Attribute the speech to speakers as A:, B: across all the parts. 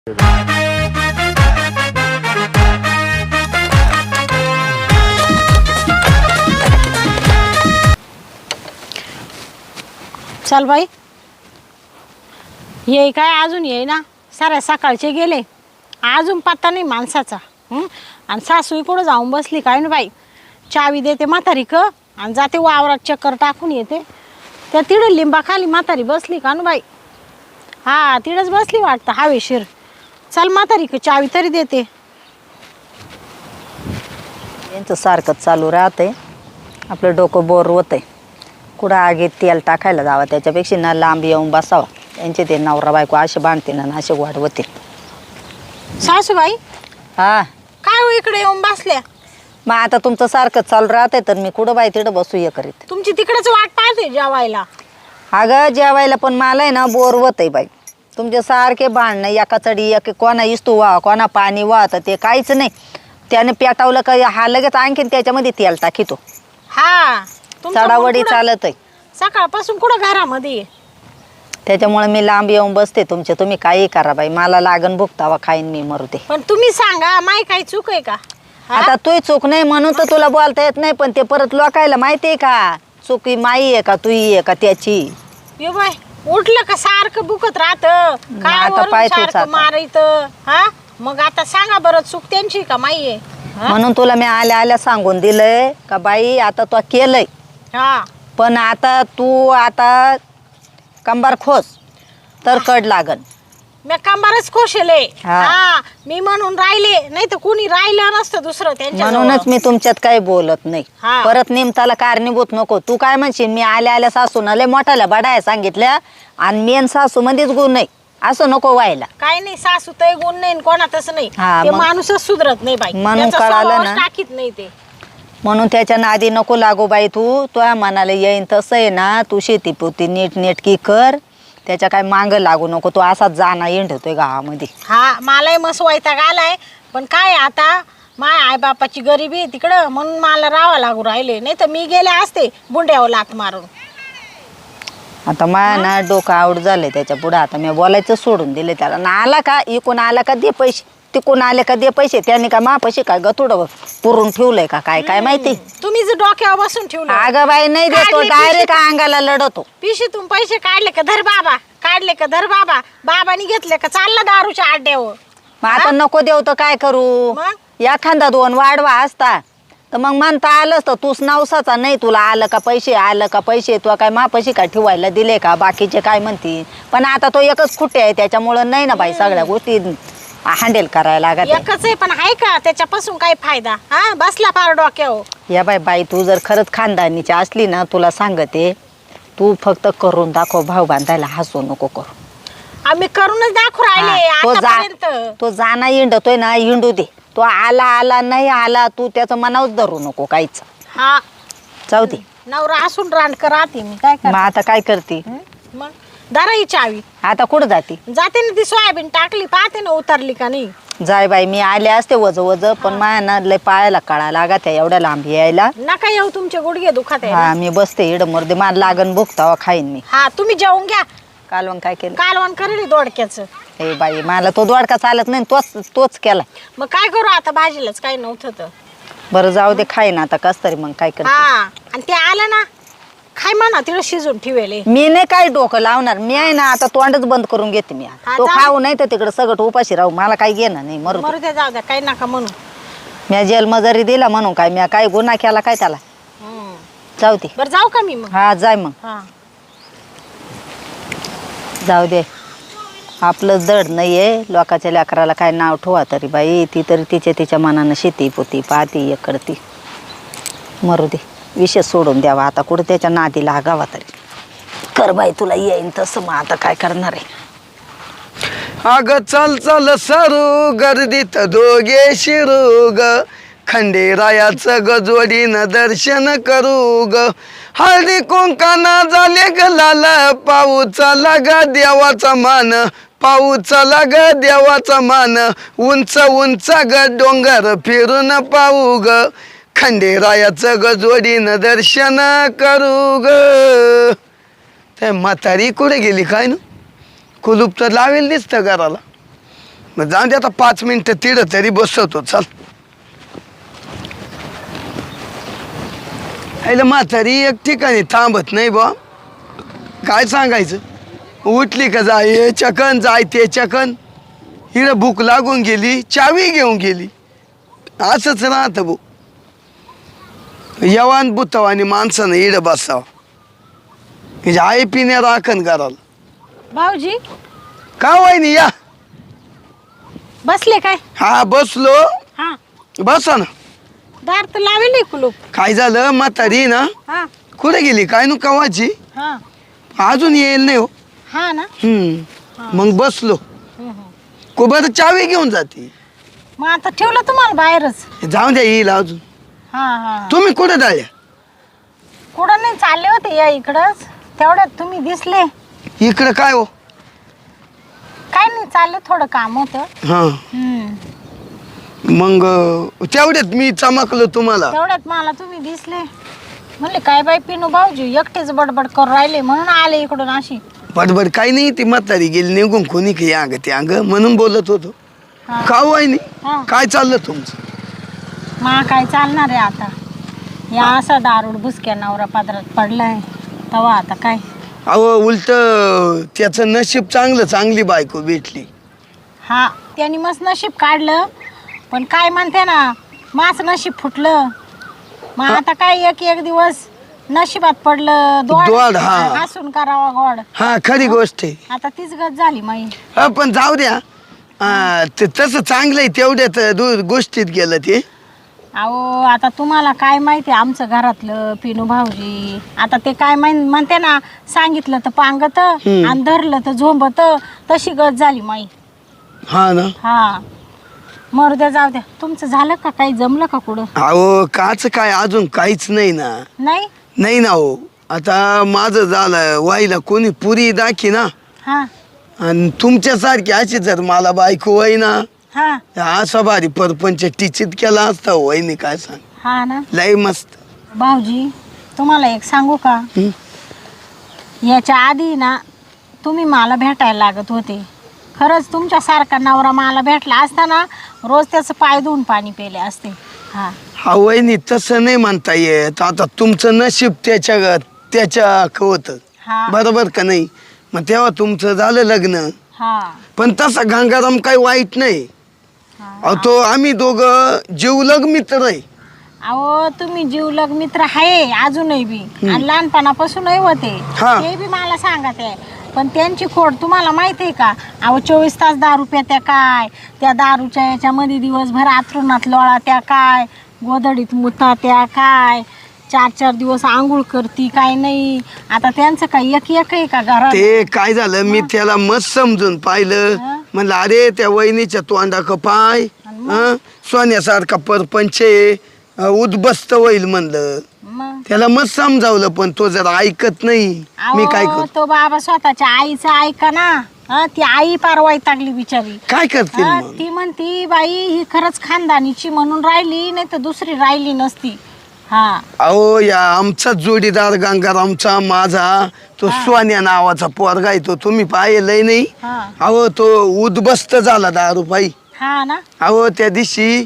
A: चल बाई, ये काय अजून ये ना, साऱ्या सकाळचे गेले, अजून पत्ता नाही माणसाचा. आणि सासू कुठं जाऊन बसली काय ना बाई. चावी देते म्हातारी क आणि जाते वावरात चक्कर टाकून येते. त्या तिडं लिंबाखाली म्हातारी बसली का ना बाई. हा तिडंच बसली वाटतं हवेशीर. चल म्हातारी क चावी तरी देते.
B: यांचं सारखंच चालू राहते, आपलं डोकं बोर होतंय. कुठं आगीत तेल टाकायला जावं त्याच्यापेक्षा ना लांब येऊन बसावं. यांचे ते नवरा बायको असे बांधतील ना असे वाढवतील.
A: सासूबाई
B: हा
A: काय हो इकडे येऊन बसल्या.
B: मग आता तुमचं सारखंच चालू राहतंय तर मी कुठं बाई तिकडं बसू ये करीत.
A: तुमची तिकडेच वाट पाहते जेवायला.
B: अगं जेवायला पण मला आहे ना बोर होतंय बाई. तुमचे सारखे भांडणं एका चढी एक कोणा इस्तू वा कोणा पाणी वा तर ते काहीच नाही. त्याने पेटावलं का हा लगेच आणखीन त्याच्यामध्ये तेल टाकीतो.
A: हा
B: चढावडी चालत आहे
A: सकाळपासून कुठं घरामध्ये.
B: त्याच्यामुळे मी लांब येऊन बसते तुमचे. तुम्ही काही करा बाई, मला लागन भुगतावा खाईन मी मरू दे.
A: पण तुम्ही सांगा माई काही चूक आहे का.
B: आता तू चूक नाही म्हणून तर तुला बोलता येत नाही. पण ते परत लोकायला माहिती आहे का चुकी माई आहे का तुही आहे का त्याची.
A: ये बाय उठलं का सारखं बुकत राहत
B: आता पाय तूच आता.
A: मारायत. हा मग आता सांगा बरं चूक त्यांची का माई आहे.
B: म्हणून तुला मी आल्या आल्या सांगून दिलंय का बाई आता तू केलंय.
A: हा
B: पण आता तू आता कंबार खोस तर कड लागन.
A: मी कंबारच खोशेले.
B: हा.
A: हा मी म्हणून राहिले नाही तर कुणी राहिलं नसतं दुसरं त्यांच्या
B: म्हणूनच मी तुमच्यात काही बोलत नाही.
A: हा.
B: परत निमताला कारणीभूत नको. तू काय म्हणशील मी आल्या आल्या सासून लय मोठ्याला बडाया सांगितल्या आणि मेन सासू मध्येच गुण नाही असं नको व्हायला.
A: काय नाही सासू तर गुण नाही कोणातच नाही.
B: हा,
A: ते
B: मग-
A: माणूसच सुधरत नाही बाई.
B: म्हणून
A: त्याचा
B: कळालं
A: स्वभावच
B: ना.
A: टाकीत नाही ते.
B: म्हणून त्याच्या नादी नको लागू बाई. तू तुझ्या मनाला येईन तसं आहे ना. तू शेती पोती नीट नेटकी कर. त्याच्या काय मांग लागू नको. तू असाच जाना येंढतोय गावामध्ये.
A: हा मलाही मस्त वैताग आलाय. पण काय आता माय आई बापाची गरिबी आहे तिकडं म्हणून मला राहावं लागू राहिले. नाही तर मी गेले असते बुंड्यावर लात मारून.
B: आता माया ना डोकं आवड झालंय त्याच्या पुढं. आता मी बोलायचं सोडून दिले त्याला. ना आला का इकून आला का दे पैसे, तिकून आले का दे पैसे. त्याने का मापाशी काय गतुड पुरून ठेवलंय का काय काय माहिती.
A: तुम्ही जर डोक्यावर बसून ठेवलं.
B: अगं बाई नाही देतो
A: काढले
B: डायरेक्ट अंगाला लढतो.
A: पिशीतून पैसे काढले का धर बाबा, काढले का धर बाबा. बाबानी घेतले का चालला दारूच्या आड्यावर.
B: मग आता नको देऊ तर काय करू.
A: मग?
B: एखादा दोन वाढवा असता तर मग म्हणता आलंच तर तूच नवसाचा नाही. तुला आलं का पैसे, आलं का पैसे. तू काय मापाशी काय ठेवायला दिले का. बाकीचे काय म्हणतील. पण आता तो एकच खुटे आहे त्याच्यामुळं नाही ना बाई सगळ्या गोष्टी हँडल करायला लागत.
A: एकच आहे पण आहे का त्याच्यापासून काय फायदा. हा बसला फार डोक्यावर.
B: या बाई तू जर खरंच खानदानीची असली ना तुला सांगते तू फक्त करून दाखव. भाऊ बांधायला हसू नको करू.
A: आम्ही करूनच दाखवू राहिले आतापर्यंत.
B: तो जाना हिंडतोय ना हिंडू दे. तो आला नाही आला तू त्याचं मनावच धरू नको काहीच.
A: हा
B: जाऊ दे.
A: नवरा असून रांडकर राहते मी काय
B: मग आता काय करते.
A: मग धरा ही चावी.
B: आता कुठं जाते.
A: जाते ना ती सोयाबीन टाकली पाहते ना उतरली का नाही.
B: जाय बाई मी आले असते वज पण माया ना लय पायाला कळा लागत एवढ्या लांब यायला.
A: नका येऊ तुमचे गुडघे दुखत आहे.
B: हा मी बसते इड मर्दे मला लागन भुगतावा खाईन मी.
A: हा तुम्ही जेवून घ्या.
B: कालवण काय केलं.
A: कालवण करेल दोडक्याचं.
B: ए बाई मला तो दोडका चालत नाही. तोच केला.
A: मग काय करू आता भाजीलाच काही नव्हतं तर.
B: बरं जाऊ दे खाईन आता कस तरी. मग काय करते.
A: हा आणि ते आलं ना खाय म्हणा तिला शिजून ठेवेले.
B: मी नाही काय डोकं लावणार. मी आहे ना आता तोंडच बंद करून घेते मी.
A: हा,
B: तो
A: जा.
B: खाऊ नाही तर तिकडे सगळं उपाशी राहू. मला काही घेणं नाही मरू दे.
A: मरू द्या जाऊ द्या काही नका म्हणू.
B: मी जेलमजरी दिला म्हणून काय मी काय गुन्हा केला काय त्याला. जाऊ दे.
A: बरं जाऊ का मी मग.
B: हा जाय मग.
A: हा
B: जाऊ दे. आपलं जड नाहीये. लोकांच्या लेकराला काय नाव ठेवा तरी बाई. ती तरी तिच्या मनानं शेती पोती पाहती एक करती. मरू दे. विषय सोडून द्यावा आता. कुठं त्याच्या नादी लागावा तरी. कर बाई तुला येईन तसं. मग आता काय करणार आहे.
C: अग चल चल सरू गर्दीत दोघे शिरू ग. खंडेरायाचं ग जोडीनं दर्शन करू ग. हळदी कुंकाना झाले ग लाल. पाऊस चला ग देवाचा मान. पाऊस चला ग देवाचा मान. उंच उंच ग डोंगर फिरून पाहू ग. खंडेरायाचं ग जोडीनं दर्शन करू ग. ते म्हातारी कुठे गेली काय ना. कुलूप तर लावेल दिसतं घराला. मग जाऊन दे आता 5 मिनिटं तिथं तरी बसवतो चल. आईला म्हातारी एक ठिकाणी थांबत नाही बा. काय सांगायचं, उठली का जाय चकन जाय ते चकन. हिला भूक लागून गेली चावी घेऊन गेली. असंच राहतं भाऊ. यवान बुतवानी माणसानं इड बसावं. म्हणजे आई पिण्या राखण कराल.
A: भाऊजी
C: का वहिनी या.
A: बसले काय?
C: हा बसलो.
A: हा
C: बसा ना.
A: दार तर लावेल कुलूप.
C: काय झालं म्हातारी ना
A: हा
C: कुठे गेली काय नु कवाची.
A: हा
C: अजून येईल नाही हो.
A: हा ना.
C: मग बसलो. कुबर चावी घेऊन जाते.
A: मग आता ठेवलं तुम्हाला बाहेरच.
C: जाऊन द्या येईल अजून.
A: हा हा
C: तुम्ही कुठे जाल्या.
A: कुठं नाही चालले होते या इकडंच. तेवढ्यात तुम्ही दिसले.
C: इकडं काय हो.
A: काय नाही चाललं थोडं काम होतं.
C: हा मग तेवढ्यात मी चमकलो तुम्हाला.
A: तेवढ्यात मला तुम्ही दिसले. म्हणले काय बाई पिनू भाऊजी एकटेच बडबड करून राहिले म्हणून आले इकडून अशी.
C: बडबड काही नाही. ती म्हातारी गेली निघून कोणी काही अंग ते अंग म्हणून बोलत होतो.
A: हा.
C: का हो नाही
A: हा.
C: काय चाललं तुमचं.
A: मा काय चालणार आहे आता. या असा दारूड बुसक्या नवरा पदरात पडलाय तेव्हा आता काय.
C: अहो उलट त्याचं नशीब चांगलं, चांगली बायको भेटली.
A: हा त्यांनी मस्त नशीब काढलं. पण काय म्हणते ना माझं नशीब फुटलं. मग आता काय एक एक दिवस नशिबात पडलं
C: दोड, हा.
A: हसून करावा गोड.
C: हा खरी गोष्ट आहे.
A: आता तीच गत झाली माई.
C: हा पण जाऊ द्या. ते तसं चांगलं आहे. तेवढ्यात गोष्टीत गेलं ते.
A: अहो आता तुम्हाला काय माहिती आमचं घरातलं पिनू भाऊजी. आता ते काय म्हणते ना सांगितलं तर पांगत आणि धरलं तर झोंबत. तशी गत झाली माई.
C: हा ना.
A: हा मरू द्या जाऊ द्या. तुमचं झालं का काही जमलं का कुठं.
C: अहो काच काय अजून काहीच नाही ना.
A: नाही
C: नाही ना हो. आता माझं झालं वाईला कोणी पुरी दाखी ना.
A: हा
C: आणि तुमच्यासारखी अशी जर मला बायको वय ना
A: हा
C: असा भारी परपंच टिचित केला असता वहिनी. काय सांग
A: हा ना.
C: लय मस्त.
A: भाऊजी तुम्हाला एक सांगू का. याच्या आधी ना तुम्ही मला भेटायला लागत होते. खरंच तुमच्यासारखा नवरा मला भेटला असता ना रोज त्याचं पाय धुवून पाणी पिले असते. हा
C: हा वहिनी तसं नाही म्हणता येत. आता तुमचं नशीब त्याच्या होतं.
A: हा
C: बरोबर का नाही. मग तेव्हा तुमचं झालं लग्न.
A: हा
C: पण तसा गंगाराम काही वाईट नाही. अहो तो आम्ही दोघं जीवलग मित्र आहे.
A: अहो तुम्ही जीवलग मित्र आहे अजूनही बी आणि लहानपणापासूनही होते.
C: हा.
A: ते बी मला सांगत आहे. पण त्यांची खोड तुम्हाला माहिती आहे का. अहो 24 तास दारू प्यात्या काय. त्या दारूच्या याच्यामध्ये दिवसभर आथरुणात लोळा त्या काय. गोधडीत मुता त्या काय. 4-4 दिवस आंघोळ करती काय नाही. आता त्यांचं काय एक आहे का घरात.
C: ते काय झालं मी त्याला मस्त समजून पाहिलं. म्हणलं अरे त्या वहिनीच्या तोंडाक पाय. सोन्यासारखा परपंच उद्बस्त होईल म्हणलं.
A: मग
C: त्याला मस्त समजावलं पण तो जर ऐकत नाही. मी काय
A: अहो,
C: करू.
A: तो बाबा स्वतःच्या आईचं ऐका ना. ती आई पार वैतागली बिचारी.
C: काय करतील मग.
A: ती म्हणती बाई ही खरंच खानदानीची म्हणून राहिली नाही तर दुसरी राहिली नसती. हा
C: अहो या आमचा जोडीदार गंगारामचा माझा तो सोन्या नावाचा पोरगा आहे. तो तुम्ही पाहिलंय नाही.
A: हा
C: अहो तो उद्बस्त झाला दारू पायी.
A: हा ना.
C: अहो त्या दिवशी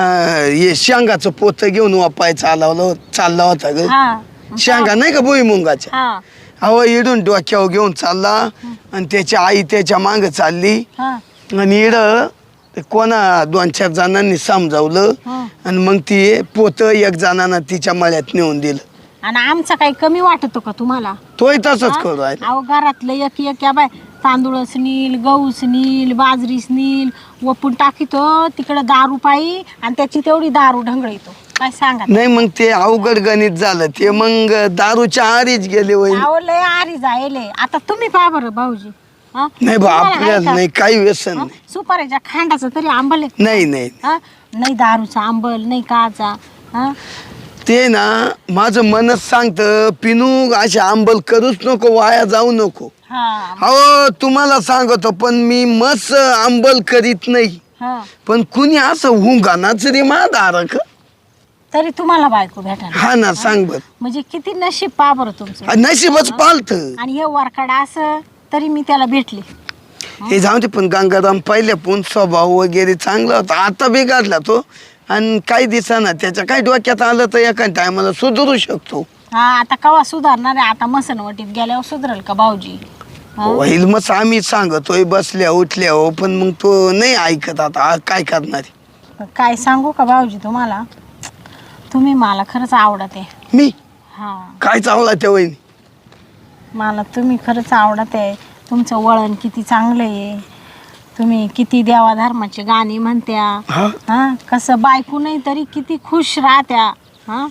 C: हे शेंगाचं पोत घेऊन वापाय चालला होता ग.
A: हा
C: शेंगा नाही का भुईमुंगाच्या.
A: हा
C: अहो इडून डोक्यावर घेऊन चालला आणि त्याची आई त्याच्या माग चालली.
A: हा
C: आणि इड कोणा 2-4 जणांनी समजावलं.
A: हा.
C: आणि मग ती पोत एक जणांना तिच्या मळ्यात नेऊन दिलं.
A: आणि आमचा काही कमी वाटतो का तुम्हाला.
C: तोही तसंच करू आहे.
A: अहो घरातलं एक या बाय तांदूळच नील गहूच नील बाजरीच नील वपून टाकीतो तिकडं दारू पायी आणि त्याची तेवढी दारू ढंगळीतो. काय सांगा.
C: नाही मग ते अवघड गणित झालं. ते मग दारूच्या आरीच गेले वय.
A: अहो लय आरी जायले. आता तुम्ही पहा बरं भाऊजी. हा?
C: नाही बा
A: तुम्हाला आहे
C: आपल्याला
A: का?
C: नाही काही व्यसन
A: हा?
C: नाही.
A: सुपारीच्या खांडाचं तरी आंबल आहे.
C: नाही नाही
A: हा? नाही दारूचा आंबल नाही काचा. हा
C: ते ना माझं मनच सांगतं पिनू अशी आंबल करूच नको वाया जाऊ नको.
A: हा
C: हो तुम्हाला सांगतो पण मी मस्त आंबल करीत नाही.
A: हा
C: पण कुणी असं हुंगानाच रे दारक.
A: तरी तुम्हाला बायको भेटायला.
C: हा ना सांग बर.
A: म्हणजे किती नशीब पहा बरं तुमचं.
C: नशीबच पालत.
A: आणि हे वरकडा असं तरी मी त्याला भेटले.
C: हे जाऊ दे, पण गंगाराम पहिल्यापून स्वभाव वगैरे चांगला होता, आता बिघडला तो. आणि काही दिवसांना त्याच्या काही डोक्यात आलं तर एका टायमाला सुधरू शकतो.
A: हा आता कवा सुधारणार आहे? आता मसनवटीत गेल्यावर सुधरेल का भाऊजी? हा?
C: होईल मग आम्ही सांगतोय बसल्या उठल्या हो, पण मग तो नाही ऐकत. आता काय करणार?
A: काय सांगू का भाऊजी तुम्हाला, तुम्ही मला खरंच आवडत आहे.
C: मी
A: हा,
C: काय चावला त्या वहिनी?
A: मला तुम्ही खरंच आवडत आहे. तुमचं वळण किती चांगलं आहे. तुम्ही किती देवाधर्माचे गाणी म्हणत्या.
C: हा
A: हा, कसं बायको नाही तरी किती खुश राहत्या. हा,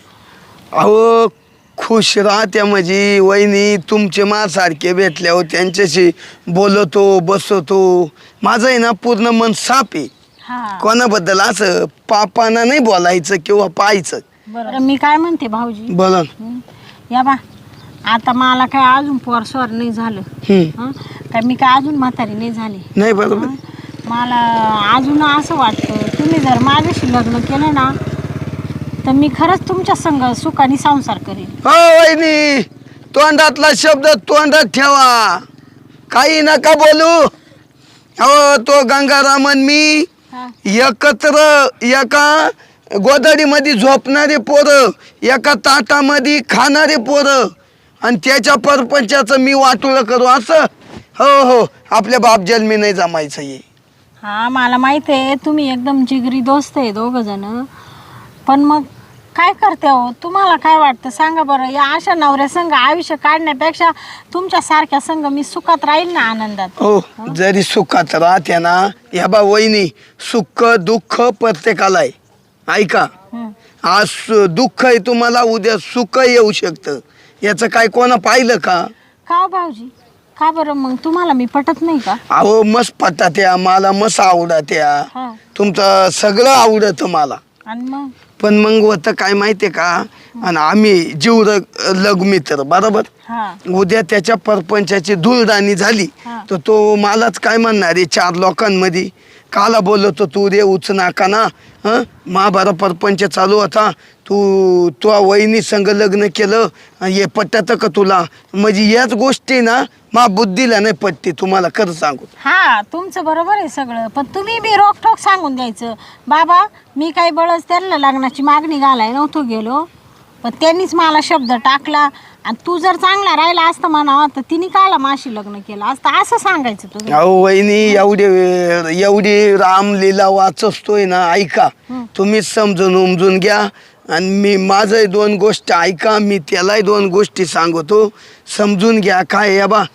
C: अहो खुश राहत्या म्हणजे वहिनी तुमचे सारखे भेटल्या हो, त्यांच्याशी बोलतो बसतो. माझं आहे ना पूर्ण मन साफ आहे.
A: हा,
C: कोणाबद्दल असं पापाना नाही बोलायचं किंवा पाहायचं.
A: बरं मी काय म्हणते भाऊजी,
C: बोला.
A: या बा, आता मला काय अजून पोरस्वर नाही झालं. हं? काय मी काय अजून म्हातारी नाही झाली.
C: नाही बरोबर.
A: हं? मला अजून असं वाटतं, तुम्ही जर माझ्याशी लग्न केलं ना तर मी खरंच तुमच्या संग सुखाने संसार करेन.
C: हो वहिनी, तोंडातला शब्द तोंडात ठेवा, काही नका बोलू. हो तो गंगारामन मी
A: हा,
C: एकत्र एका गोदडीमध्ये झोपणारे पोरं, एका ताटामध्ये खाणारे पोरं, आणि त्याच्या परपंचाचं मी वाटोळं करू असं? हो हो, आपल्या बाप जन्मी नाही जमायचं हे.
A: हा मला माहिती आहे तुम्ही एकदम जिगरी दोस्त आहे दोघं जण, पण मग काय करते हो? तुम्हाला काय वाटतं सांगा बरं? या अशा नवऱ्या संग आयुष्य काढण्यापेक्षा तुमच्या सारख्या संग मी सुखात राहील ना, आनंदात.
C: हो, जरी सुखात राहते ना, या बा वहिनी, सुख दुःख प्रत्येकाला आहे. ऐका,
A: हं.
C: आज दुःख आहे तुम्हाला, उद्या सुख येऊ शकतं. याचं काय कोणा पाहिलं का?
A: का हो भाऊजी, का बरं मग तुम्हाला मी पटत नाही का?
C: अहो मस्त पटात्या, मला मस्त आवडत्या,
A: हा,
C: तुमचं सगळं आवडतं मला.
A: आणि मग
C: पण मग होतं काय माहितीये का, आणि आम्ही जीव लग मित्र बरोबर.
A: हा,
C: उद्या त्याच्या परपंचाची धूळदाणी झाली
A: हा.
C: तर तो मलाच काय म्हणणार आहे 4 लोकांमध्ये, काला बोलतो तू रे उच नाका ना. हं, महाभारत परपंच चालू होता, तू वहिनी संग लग्न केलं, हे पटतं का तुला? म्हणजे याच गोष्टी ना मा बुद्धीला नाही पटते, तुम्हाला खरं सांगू.
A: हा तुमचं बरोबर आहे सगळं, पण तुम्ही बी रोखठोक सांगून द्यायचं, बाबा मी काही बळच त्यांना लग्नाची मागणी घालाय नव्हतो गेलो, पण त्यांनीच मला शब्द टाकला, आणि तू जर चांगला राहिला असता म्हणावा तर तिने काला माशी लग्न केलं असतं, असं सांगायचं तुम्ही.
C: अहो वहिनी, एवढी रामलीला वाचतोय ना, ऐका तुम्ही समजून उमजून घ्या. आणि मी माझं 2 गोष्ट ऐका, मी त्यालाही 2 गोष्टी सांगतो, समजून घ्या. काय या बा,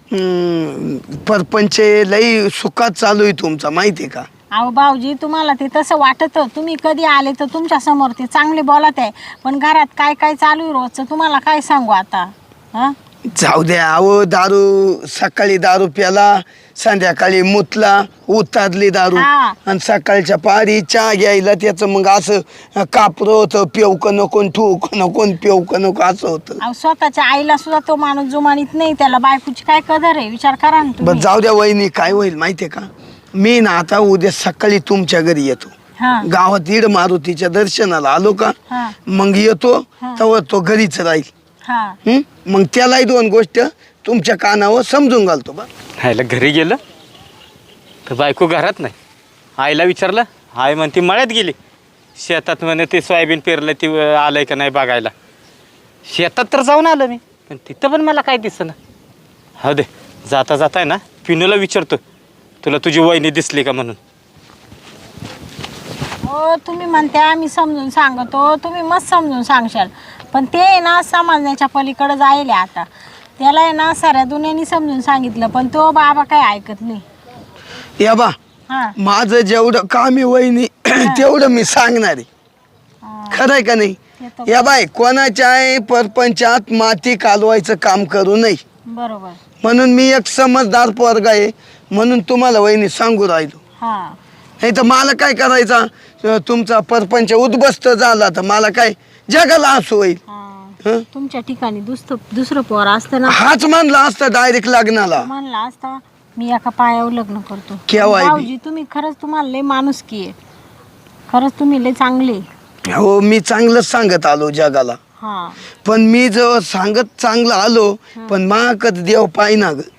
C: परपंच लई सुखात चालू आहे तुमचा, माहिती आहे का?
A: अहो भाऊजी तुम्हाला ते तसं वाटतं, तुम्ही कधी आले तर तुमच्या समोर ते चांगले बोलत आहे, पण घरात काय काय चालू आहे रोजचं तुम्हाला काय सांगू आता. हा,
C: जाऊ द्या. अहो दारू, सकाळी दारू प्याला, संध्याकाळी मुतला, उतारली दारू,
A: हा.
C: आणि सकाळच्या पारी चहा घ्यायला त्याचं मग असं कापरं होतं, पेवक नको ठूक नको पेवक नको असं होतं.
A: अहो स्वतःच्या आईला सुद्धा तो माणूस जुमानीत नाही, त्याला बायकोची काय कदर आहे विचार करा ना
C: बस
A: तुम्ही.
C: जाऊ द्या वहिनी, काय होईल माहितीये का, मी ना आता उद्या सकाळी तुमच्या घरी येतो.
A: हा,
C: गावात इड मारुतीच्या दर्शनाला आलो का,
A: हा,
C: मग येतो
A: हा.
C: तेव्हा तो घरीच राहील.
A: हा,
C: मग त्यालाही 2 गोष्ट तुमच्या कानावर समजून घालतो बा.
D: आईला घरी गेलं तर बायको घरात नाही. आईला विचारलं, आई म्हणते मळ्यात गेली. शेतात म्हणे ते सोयाबीन पेरलं, ती आलंय का नाही बघायला. शेतात तर जाऊन आलं मी, पण तिथं पण मला काय दिसेना. हो दे, जाता जाता आहे ना पिनूला विचारतो, तुला तुझी वहिनी दिसली का म्हणून.
A: हो तुम्ही म्हणते आम्ही समजून सांगतो, तुम्ही मस्त समजून सांगशाल, पण ते आहे ना समजण्याच्या पलीकडे जायले. आता त्याला आहे ना साऱ्या दुनियानी समजून सांगितलं, पण तो बाबा काय ऐकत नाही.
C: या बा,
A: हा,
C: माझं जेवढं काम आहे वहिनी तेवढं मी सांगणार आहे.
A: हा,
C: खरंय का नाही?
A: ते तर
C: या बाय, कोणाच्या परपंचात माती कालवायचं काम करू नये,
A: बरोबर.
C: म्हणून मी एक समजदार पोरगा आहे, म्हणून तुम्हाला वहिनी सांगू राहिलो.
A: हा,
C: नाही तर मला काय करायचा, तुमचा परपंच उद्ध्वस्त झाला तर मला काय जगाला हसू होईल.
A: हा.
C: हं?
A: तुमच्या ठिकाणी दुसरं पोर असतं ना,
C: हाच म्हणला असता डायरेक्ट लग्नाला.
A: म्हणला असता मी एका पायावर लग्न करतो.
C: केव्हा आहे बी?
A: भाऊजी तुम्ही खरंच, तुम्हाला लय माणुसकी आहे, खरंच तुम्ही लय चांगले.
C: हो, मी चांगलंच सांगत आलो जगाला,
A: हा,
C: पण मी जेव्हा सांगत चांगलं आलो, पण माकत देव पाहिना ग.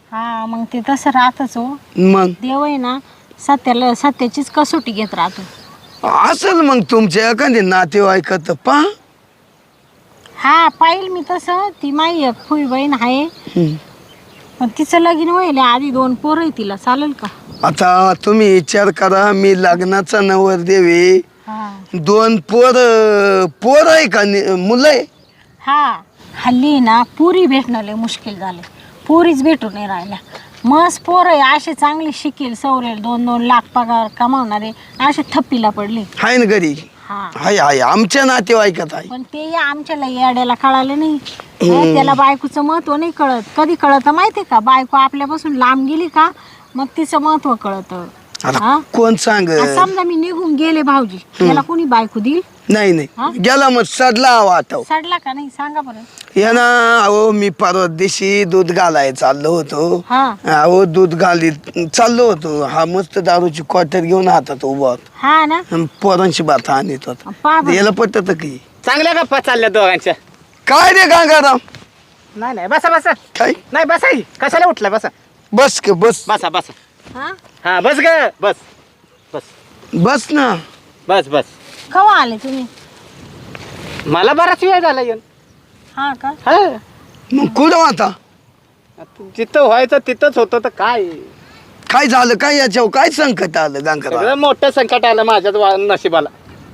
A: हा मग ते तसं राहतच हो.
C: मग
A: देव आहे ना सत्याचीच कसोटी घेत राहतो.
C: असेल मग तुमच्या एखादी नातेवाईकात पहा.
A: हा पाहिल मी तसं. ती माई एक फुई बहीण आहे पण तिचं लगीन व्हायला आधी 2 पोरं आहे तिला. चालेल का?
C: आता तुम्ही विचार करा, मी लग्नाचा नवरदेव आहे.
A: हा
C: 2 पोर आहे का मुलं आहे?
A: हा हल्ली ना पुरी भेटणं लय मुश्किल झाले. पुरीच भेटून नाही राहिल्या. मस्त पोरं आहे असे चांगले शिकेल सवरेल 2-2 लाख पगार कमावणारे असे थप्पीला पडले.
C: आहे ना घरी?
A: हा
C: आहे आमच्या नातेवाईकात आहे.
A: पण ते या आमच्याला याड्याला कळालं नाही. त्याला बायकोचं महत्व नाही कळत. कधी कळतं माहितीये का? बायको आपल्यापासून लांब गेली का मग तिचं महत्व कळतं.
C: आता कोण सांग?
A: समजा मी निघून गेले भाऊजी, त्याला कोणी बायको देईल?
C: नाही नाही गेला मग सडला हवा आता.
A: सडला का नाही सांगा बरं.
C: या ना अहो, मी परवा दिवशी दूध घालाय चाललो होतो.
A: हा
C: अहो दूध घालीत चाललो होतो. हा मस्त दारूची क्वार्टर घेऊन हातात उभा होता.
A: हा ना
C: पोरांची बात आणत होता.
A: पहा बरं.
C: याला पटत की
D: चांगल्या गप्पा चालल्या दोघांच्या.
C: काय रे गंगाराम?
D: नाही बसा बसा.
C: काय
D: नाही बसा की. कशाला उठला? बसा
C: बस के बस
D: बसा बसा.
A: हा
D: हा बस ग बस बस
C: बस ना.
D: बस बस.
A: केव्हा आले तुम्ही?
D: मला बराच वेळ झाला येऊन.
A: हा का?
D: हा
C: मग कुठं आता?
D: जिथं व्हायचं तिथंच होतं तर
C: काय झालं? काय याच्यावर काय संकट आलं गंगाराम?
D: सगळं मोठं संकट आलं माझ्याच नशिबाला.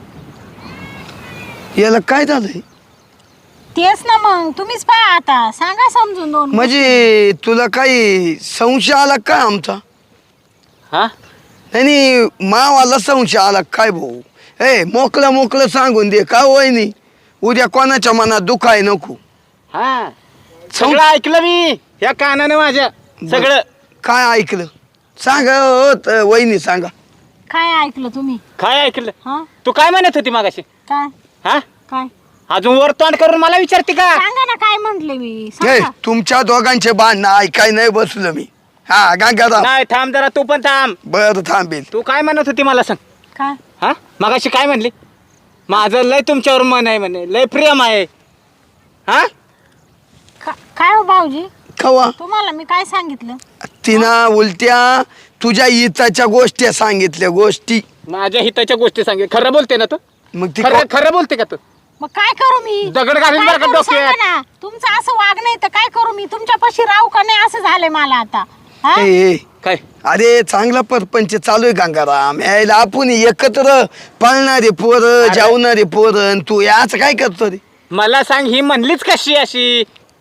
C: याला काय झालंय?
A: तेच ना मग तुम्हीच पहा आता. सांगा समजून 2.
C: म्हणजे तुला काही संशय आला काय आमचा?
D: हा
C: नाही मावाला संशय आला काय भाऊ? मोकळं सांगून दे का वहिनी, उद्या कोणाच्या मनात दुखाय नको.
D: हा सगळं ऐकलं मी या कानाने माझ्या. सगळं
C: काय ऐकलं सांगा वहिनी सांगा.
A: काय ऐकलं तुम्ही?
D: काय ऐकलं?
A: हा
D: तू काय म्हणत होती मागाशी?
A: काय
D: हा
A: काय
D: अजून वर तोंड करून मला विचारते का?
A: सांगा ना काय म्हंटले मी.
C: हे
A: सांगा.
C: तुमच्या दोघांचे भांडणं ऐकाय नाही बसलो मी. हा गंगाराम
D: नाही थांब जरा तू पण थांब.
C: बर थांबेल.
D: तू काय म्हणत होती मला सांग.
A: काय
D: हा मगाशी काय म्हणली? माझं लय तुमच्यावर मन आहे म्हणे, लय प्रेम आहे. हा
A: काय हो भाऊजी
C: कवा
A: तुम्हाला मी काय सांगितलं?
C: तिनं उलट्या तुझ्या हिताच्या गोष्टी सांगितल्या गोष्टी.
D: माझ्या हिताच्या गोष्टी सांगे. खरं बोलते ना तू?
C: मग ती
D: खरं खरं बोलते का तू?
A: मग काय करू मी?
D: दगड घालून
A: काय
D: बरं का
A: करू सांगा
D: डोक्यात?
A: ना. तुमचं असं वाग नाही तर काय करू मी? तुमच्यापाशी राहू का नाही असं झालंय मला आता. हा?
C: ए,
D: काय
C: अरे चांगला परपंच चालू आहे गंगाराम. यायला आपण एकत्र पळणारे पोरं जेवणारे पोरं तू याच काय करतो रे?
D: मला सांग, ही म्हणलीच कशी अशी?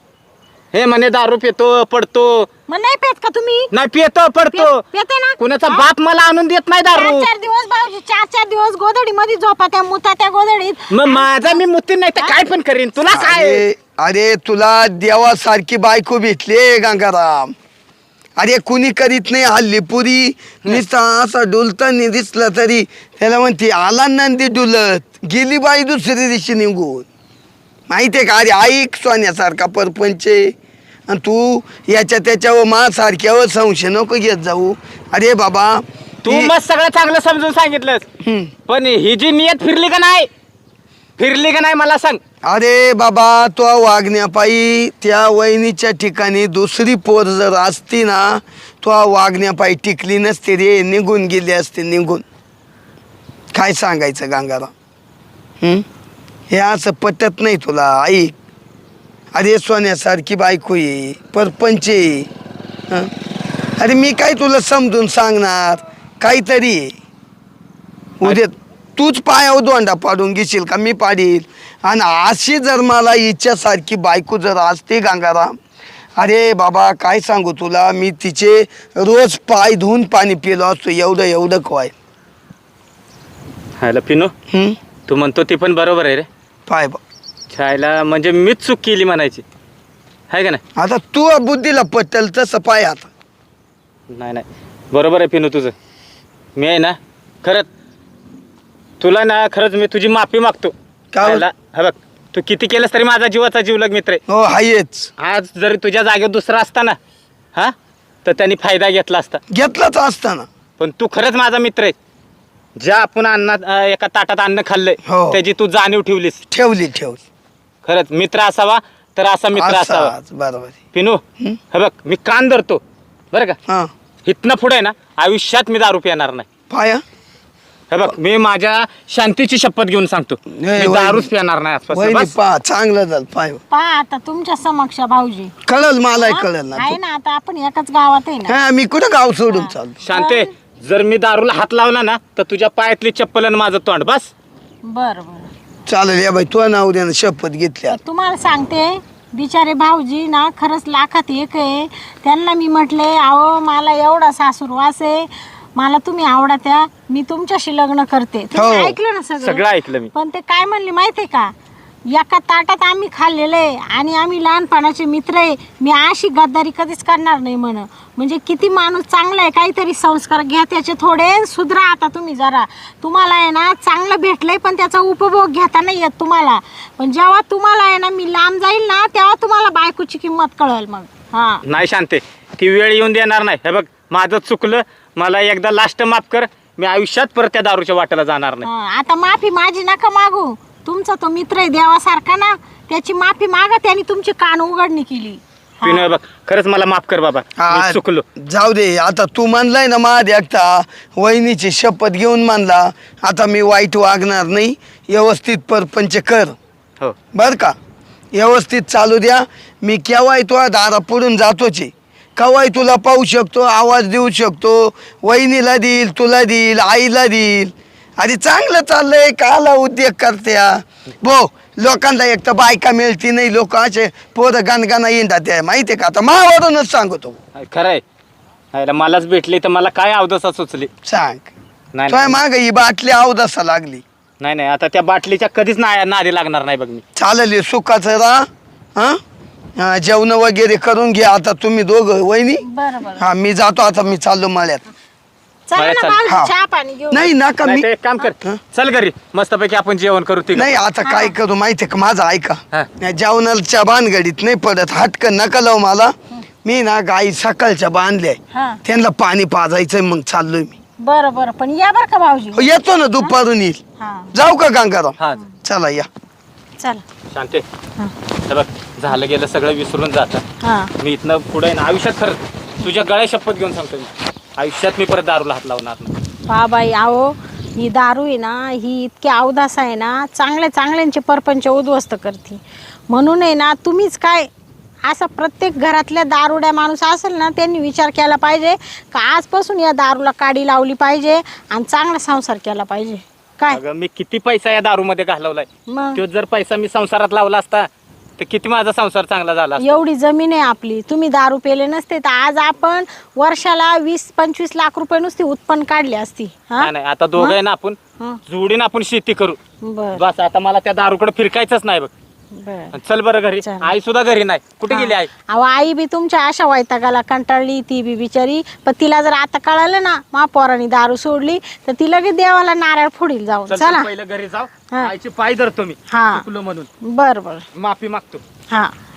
D: हे म्हणे दारू पितो पडतो.
A: मग नाही पेत का तुम्ही?
D: नाही पितो पडतो.
A: पेते ना?
D: कुणाचा
A: हा?
D: बाप मला आणून देत नाही दारू.
A: 4-4 दिवस भाऊजी 4-4 दिवस गोधडी मध्ये झोपा त्या मुता त्या गोधडीत.
D: मग माझा मी मुतीन नाही तर काय पण करीन. तुला काय?
C: अरे तुला देवासारखी बायको भेटली गंगाराम. अरे कुणी करीत नाही हल्ली. पुरी नुसता असा डुलताना दिसला तरी त्याला म्हणते आला नंदी डुलत गेली बाई दुसऱ्या दिवशी निघून. माहितीये का? अरे ऐक सोन्यासारखा परपंच आणि तू याच्या त्याच्यावर माझ्यासारख्यावर संशय नको घेत जाऊ. अरे बाबा
D: तू मग सगळं चांगलं समजून सांगितलंस, पण ही जी नियत फिरली का नाही? फिरली का नाही मला सांग.
C: अरे बाबा तो वागण्यापायी त्या वहिनीच्या ठिकाणी दुसरी पोर जर असती ना तो वागण्यापायी टिकली नसते रे. निघून गेली असते निघून. काय सांगायचं गंगाराम? हे असं पटत नाही तुला. ऐक अरे सोन्यासारखी बायको आहे परपंच आहे. हं? अरे मी काय तुला समजून सांगणार काहीतरी आहे. उद्या तूच पायावर दोंडा पाडून घेशील का मी पाडील? आणि अशी जर मला इच्छासारखी बायको जर असते गंगाराम, अरे बाबा काय सांगू तुला, मी तिचे रोज पाय धुवून पाणी पिलो असतो. एवढं काय
D: हॅलो पिनो, तू म्हणतो ती पण बरोबर आहे रे.
C: पाय बा
D: छायला म्हणजे मीच चूक केली म्हणायची आहे का नाही?
C: आता तू बुद्धीला पटेल तसं पाय. आता
D: नाही बरोबर आहे पिनू तुझं. मी आहे ना खरंच तुला ना खरंच मी तुझी माफी मागतो.
C: का?
D: हा बघ, तू किती केलंस तरी माझा जीवाचा जीवलग मित्र आहे.
C: हो हायच.
D: आज जरी तुझ्या जागेवर दुसरा असता ना हा तर त्यांनी फायदा घेतला असता.
C: घेतलाच असताना.
D: पण तू खरंच माझा मित्र आहे. ज्या आपण एका ताटात अन्न खाल्लंय
C: हो.
D: त्याची तू जाणीव ठेवलीस.
C: ठेवली.
D: खरंच मित्र असावा तर असा मित्र असावा.
C: बरोबर.
D: पिनू हे बघ, मी कान धरतो बरं का.
C: हा
D: इथनं पुढे ना आयुष्यात मी दारू पिणार नाही.
C: पाया
D: हे बघ मी माझ्या शांतीची शपथ घेऊन सांगतो,
C: नाही,
D: मी दारूच पिणार नाही आजपासून.
C: वहिनी
D: बस.
C: पा चांगलं झालं पाय
A: पहा आता तुमच्या समक्ष भाऊजी
C: कळल मला कळल ना
A: आहे ना, आता आपण एकाच गावात आहे ना.
C: हा मी कुठं गाव सोडून चाललो.
D: शांते, जर मी दारूला हात लावला ना तर तुझ्या पायातली चप्पल आणि माझं तोंड. बस.
A: बरं बरं.
C: चालेल या बाई तुझ्या नाव द्यानं शपथ घेतली आता.
A: तुम्हाला सांगते, बिचारे भाऊजी ना खरंच लाखात एक आहे. त्यांना मी म्हटले, अहो मला एवढा सासूरवास आहे, मला तुम्ही आवडत्या, मी तुमच्याशी लग्न करते. तुम्ही
C: हो.
A: ऐकलं ना
D: सगळं ऐकलं मी.
A: पण ते काय म्हणले माहितीये का, एका ताटात आम्ही खाल्लेलं आहे आणि आम्ही लहानपणाचे मित्र आहे, मी अशी गद्दारी कधीच करणार नाही म्हण. म्हणजे किती माणूस चांगला आहे, काहीतरी संस्कार घ्या त्याचे थोडे, सुधरा आता तुम्ही जरा. तुम्हाला आहे ना चांगलं भेटलंय पण त्याचा उपभोग घेता नाही येत तुम्हाला. पण जेव्हा तुम्हाला आहे ना मी लांब जाईल ना तेव्हा तुम्हाला बायकोची किंमत कळेल मग. हा
D: नाही शांते, ती वेळ येऊन देणार नाही. हे बघ माझं चुकलं, मला एकदा लास्ट माफ कर. मी आयुष्यात परत त्या दारूच्या वाट्याला जाणार नाही.
A: हा, आता माफी माझी नका मागू. तुमचा तो मित्र आहे देवासारखा ना, त्याची माफी मागा, त्याने तुमची कान उघडणी केली. हा.
D: पिनोय बघ, खरंच मला माफ कर बाबा, मी चुकलो.
C: जाऊ दे आता तू म्हणलाय ना माझ एकटा वहिनीची शपथ घेऊन मानला, आता मी वाईट वागणार नाही, व्यवस्थित परपंच कर
D: हो.
C: बर का, व्यवस्थित चालू द्या. मी केव्हाही तुला दारा पुढून जातोच आहे, केव्हाही तुला पाहू शकतो, आवाज देऊ शकतो, वहिनीला देईल, तुला देईल, आईला देईल. अरे चांगलं चाललंय, काला उद्योग करत्या भो. लोकांना एक तर बायका मिळती नाही, लोक असे पोरं गाणगाणा येतात त्या माहितीये का. आता मावरूनच सांगतो
D: खरंय, हायला मलाच भेटली तर मला काय अवदसा सुचली.
C: सांग.
D: नाही
C: तुझ्या माग ही बाटली अवदसा लागली.
D: नाही नाही, आता त्या बाटलीच्या कधीच नादी लागणार नाही बघ मी.
C: चालेल सुखाचं राहा. हा जेवण वगैरे करून घ्या आता तुम्ही दोघं वहिनी.
A: बरं बरं.
C: हा मी जातो आता, मी चाललो मळ्यात.
A: चला
D: बरं,
A: ना
D: चल.
A: भाऊजी,
C: हा.
A: चहा पाणी घेऊ.
C: नाही नका
D: नाही
C: मी
D: तर एक काम कर, चल घरी मस्तपैकी आपण जेवण करू. ती
C: नाही आता काय करू माहितीये का, माझं ऐका.
D: हा.
C: या जेवणाच्या भानगडीत नाही पडत, हटकन नका लावू मला. मी ना गाई सकाळच्या बांधल्या,
A: हा.
C: त्यांना पाणी पाजायचंय, मग चाललोय मी.
A: बरं बरं, पण या बरं का भाऊजी.
C: हो, येतो ना दुपारून येईल.
A: हा
C: जाऊ का गंगाराम.
D: हा
C: चला या.
A: चला.
D: शांते,
A: हा.
D: हे बघ झालं गेलं सगळं विसरून जातं.
A: हा
D: मी इथनं पुढे ना आयुष्यात खरंच तुझ्या गळ्या शपथ घेऊन सांगतो, मी आयुष्यात मी परत दारूला हात लावणार नाही.
A: बाबाई आहो, ही दारू आहे ना, ही इतकी अवदास आहे ना, चांगल्यांचे परपंच उद्ध्वस्त करते. म्हणून आहे ना, तुम्हीच काय असं प्रत्येक घरातल्या दारुड्या माणूस असेल ना, त्यांनी विचार केला पाहिजे का आजपासून या दारूला काडी लावली पाहिजे आणि चांगला संसार केला पाहिजे. काय
D: अगं मी किती पैसा या दारूमध्ये घालवलाय,
A: मग
D: तो जर पैसा मी संसारात लावला असता तर किती माझा संसार चांगला झाला असता.
A: एवढी जमीन आहे आपली, तुम्ही दारू पेले नसते तर आज आपण वर्षाला 20-25 लाख रुपये नुसती उत्पन्न काढली असती. हा
D: नाही नाही, आता दोघं आहे ना आपण
A: हा.
D: जोडीन आपण शेती करू.
A: बर
D: बस आता मला त्या दारूकडे फिरकायचंच नाही बघ.
A: बर.
D: चल बरं घरी.
A: चल.
D: आई सुद्धा घरी नाही, कुठे गेली आई?
A: अहो आई बी तुमच्या अशा वैतागाला कंटाळली, ती बी बिचारी. पण तिला जर आता कळालं ना मा पोरांनी दारू सोडली तर ती लगेच देवाला नारळ फोडील जाऊन.
D: चल
A: चला.
D: तू पहिलं घरी जाऊ,
A: हा.
D: आईचे पाय धरतो मी
A: हा.
D: चुकलो म्हणून,
A: बर बर.
D: माफी मागतो.
A: हा